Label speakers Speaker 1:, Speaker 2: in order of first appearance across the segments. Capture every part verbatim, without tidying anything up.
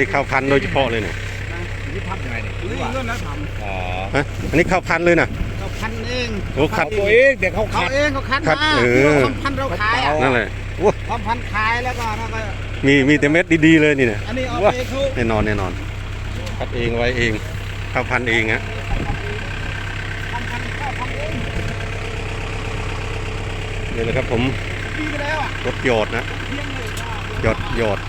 Speaker 1: นี้ข้าวพันธุ์โดยเฉพาะเลยเนี่ย
Speaker 2: นี่ทำยังไงเนี่ย
Speaker 3: เรื่องเรื่องนั้นท
Speaker 2: อ๋อ
Speaker 1: ฮะอันนี้ข้าวพันธุ์เลยนะ
Speaker 3: ำเขาพันเอง
Speaker 1: โอ้คัด
Speaker 2: ตัวเองเด็กเขา
Speaker 3: เขา
Speaker 2: ขัด
Speaker 3: เองเขาคัด
Speaker 1: คัด
Speaker 3: มา
Speaker 1: เออ
Speaker 3: ทำพันเราขายอ่ะ
Speaker 1: นั่นแหละโอ้
Speaker 3: ทำพันขายแล้วก็แล้วก็
Speaker 1: มีมีแต่เม็ดดีๆเลยนี่เนี่ย
Speaker 3: อันนี้เอา
Speaker 1: ว้า
Speaker 3: ไปเขา
Speaker 1: แน่นอนแน่นอนคัดเองไว้เองข้าวพันธุ์เองฮะ
Speaker 3: ทำพันข้าวพันเอง
Speaker 1: นี่แหละครับผม
Speaker 3: ดีไปแล้วอ่ะ
Speaker 1: รถหยอดนะ
Speaker 3: เพียงเลยว่า
Speaker 1: หยอดหยอด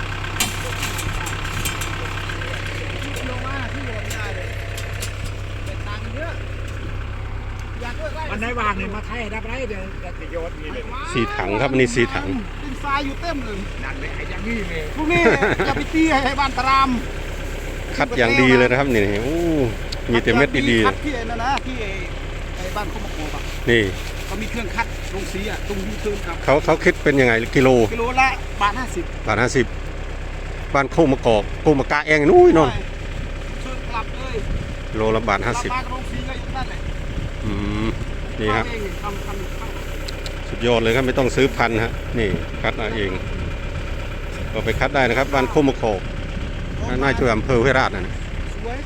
Speaker 3: ลงมาที่โยนได้เลยเป็นตังค์เยอะอยากด้วยไร่
Speaker 2: มันได้วางเนี่ยมาไทยได้ไหมเดี๋ยวจะโยนนี่เลย
Speaker 1: สี่ถังครับอันนี้สี่ถัง
Speaker 3: ดินทรายอยู่เต็มเลย
Speaker 2: นั่นเลยไอ้ยังนี่เลย
Speaker 3: พวกนี้ อย่าไปตีให้บ้านตราม
Speaker 1: คัดอย่างดีเลยนะครับนี่โอ้มีแต่เม็ดดี
Speaker 3: คัดที่ไอ้นั่นนะที่ไอ้ไอ้บ้านเขามาโกบอ่ะ
Speaker 1: ๆนี่
Speaker 3: เขามีเครื่องคัดลงสีอ่ะตรงยูเทิร์นครับ
Speaker 1: เขาเขาคิดเป็นยังไงกิโล
Speaker 3: กิโลละบาทห้าสิบบ
Speaker 1: าทห้าสิบบ้านโคกมะกอกโคกมะกาเองนู้นนน
Speaker 3: ช่วยกลับเลย
Speaker 1: กิโลละบาทห้าสิบ
Speaker 3: กลับมาโรงสีก็อยู่นั่นแหละ
Speaker 1: อืมนี่ครับ
Speaker 3: ทำเองทำทำทำ
Speaker 1: สุดยอดเลยครับไม่ต้องซื้อพันธุ์ฮะนี่คัดเอาเองก็ไปคัดได้นะครับบ้านโคกมะกอกน่าจะอำเภอห้วยราชนะ
Speaker 3: สวย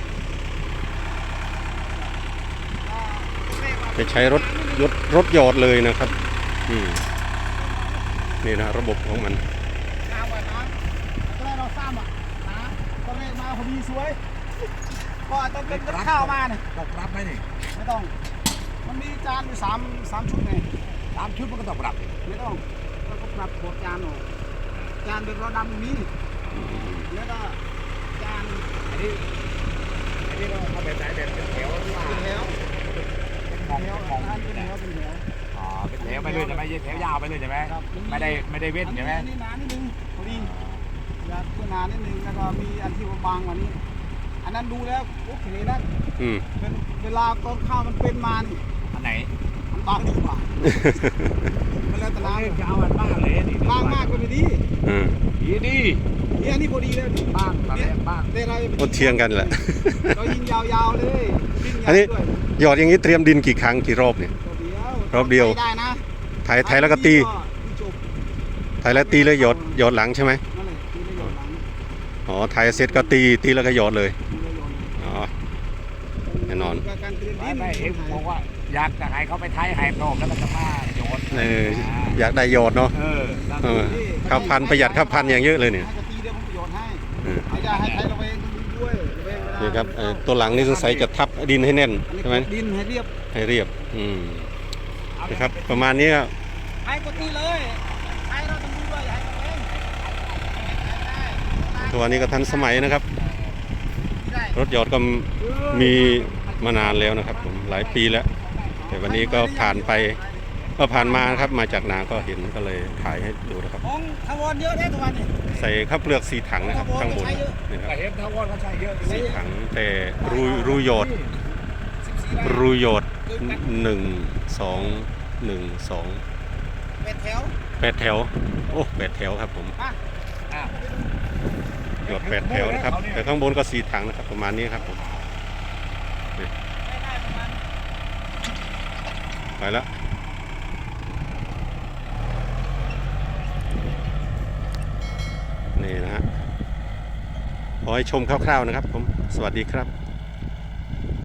Speaker 1: ไปใช้รถรถรถหยอดเลยนะครับอืมนี่นะระบบของมัน
Speaker 3: น้ำว่ะน้ำตอนแรกเราซ้ำอ่ะนะตอนแรกมาพอดีสวยก็ต้องเป็นกับข้าวมาเนี่ย
Speaker 2: ต้องรับไหมนี่
Speaker 3: ไม่ต้อง มันมีจานอยู่สามสามชุดไง
Speaker 2: ตามชุดมันก็ต้องปรับ
Speaker 3: ไม่ต้องเราก็ปรับโบดจานออกจานเป็นรอดำมีแล้วก็จาน
Speaker 2: อันนี้อันนี้เราเอาแบบไหนแบบเป็นแถวหรือว่า
Speaker 3: เป็นแถว
Speaker 2: เป็นมอง
Speaker 3: แถว
Speaker 2: เป็นมอง
Speaker 3: จานเป็นแถวเป็นแถว
Speaker 2: อ๋อเป็นแถวไปเลยใช่ไหมแถวยาวไปเลยใช่ไหม
Speaker 3: ครับ
Speaker 2: ไม่ได้ไม่ได้เว้นใช่ไหม
Speaker 3: อันนี้หนานิดนึงพอดีอยากตัวหนานิดนึงแล้วก็มีอันที่บางกว่านี้ อันนั้นดูแล้วโอเคนะ
Speaker 1: อืม
Speaker 3: เป็นเวลาตอนข้าวมันเป็นมานี่
Speaker 2: อันไหน
Speaker 3: มันบางดีกว่ามันแล้วแต่
Speaker 2: น้ำ
Speaker 3: น้ำ
Speaker 2: จะเอาอันบ้างเลยนี่
Speaker 3: บางมากก็ไม่ดี
Speaker 1: อืม
Speaker 2: ดีดี
Speaker 3: เนี่ยอันนี้พอดีแล้วนี่
Speaker 2: บ้างตอนแรกบ้าง
Speaker 3: แต่เรา
Speaker 1: ก็เทียงกันแหละ
Speaker 3: เรายิงยาวๆเลยยิง
Speaker 1: อั
Speaker 3: ยาน ว
Speaker 1: นี้
Speaker 3: ด้วย
Speaker 1: หยอดอย่างนี้เตรียมดินกี่ครั้งกี่รอบเนี่ย รอบเดียว
Speaker 3: ได้นะ
Speaker 1: ไถไถแล้วก็ตี
Speaker 3: จบ
Speaker 1: ไถแล้วตีแล้วหยอดหยอดหลังใช่ไหม
Speaker 3: นั่นแหละตีแล้วหยอดหลัง
Speaker 1: อ๋อไถเสร็จก็ตีตีแล้วก็หยอดเลย
Speaker 3: ตีแล้วหยอด
Speaker 1: อ๋อ แน่นอน
Speaker 3: การเตรียม
Speaker 2: ไม่
Speaker 3: ดิน
Speaker 2: ไม่เอ็มบอกว่าอยากจะให้เขาไปไทยให้พร้อมแล้วมันจะมาโยน
Speaker 1: เอออยากได้หยอดเนาะ
Speaker 2: เออ
Speaker 1: เออข้าวพันธุ์ประหยัดข้าวพันธุ์อย่างเยอะเลยเนี่ย
Speaker 3: ให้กะตีเดี๋ยวผมจะหยอดให้
Speaker 1: เออ
Speaker 3: ให้ได้ให้ใช้ระเวงด้วยระเวงเวลา
Speaker 1: นี่ครับเอ่อตัวหลังนี่สงสัยจะทับดินให้แน่น
Speaker 3: อันนี้
Speaker 1: ใช่ไหม
Speaker 3: ดินให้เรียบ
Speaker 1: ให้เรียบอืมนะครับประมาณนี้ครับ
Speaker 3: ให้กะตีเลยให้เราต้องดูด้วยอย่าให้ระเวงได้
Speaker 1: ตัวนี้ก็ทันสมัยนะครับ
Speaker 3: ได้
Speaker 1: รถหยอดก็มีมานานแล้วนะครับผมหลายปีแล้ว แต่วันนี้ก็ผ่านไปก็ผ่านมานะครับมาจากนาก็เห็นก็เลยถ่ายให้ดูนะครับ
Speaker 3: ของทวารเยอะได้ทุกวันนี่
Speaker 1: ใส่ข้าวเปลือกสีถังนะครับข้างบนนี่ครับ
Speaker 2: แต่เห็นทาวอนเขาใช้เยอะ
Speaker 1: สีถังแต่รูรูหยอดรูหยอดหนึ่งสองหนึ่งสอง
Speaker 3: เป็ดแถว
Speaker 1: แปดแถวโอ้แปดแถวครับผม
Speaker 3: อ่ะ
Speaker 2: อ่ะ
Speaker 1: หยอดแปดแถวนะครับแต่ข้างบนก็สีถังนะครับประมาณนี้ครับผมนี่
Speaker 3: ได้ได้ประมาณ
Speaker 1: ไปแล้วนี่นะฮะขอให้ชมคร่าวๆนะครับผมสวัสดีครับ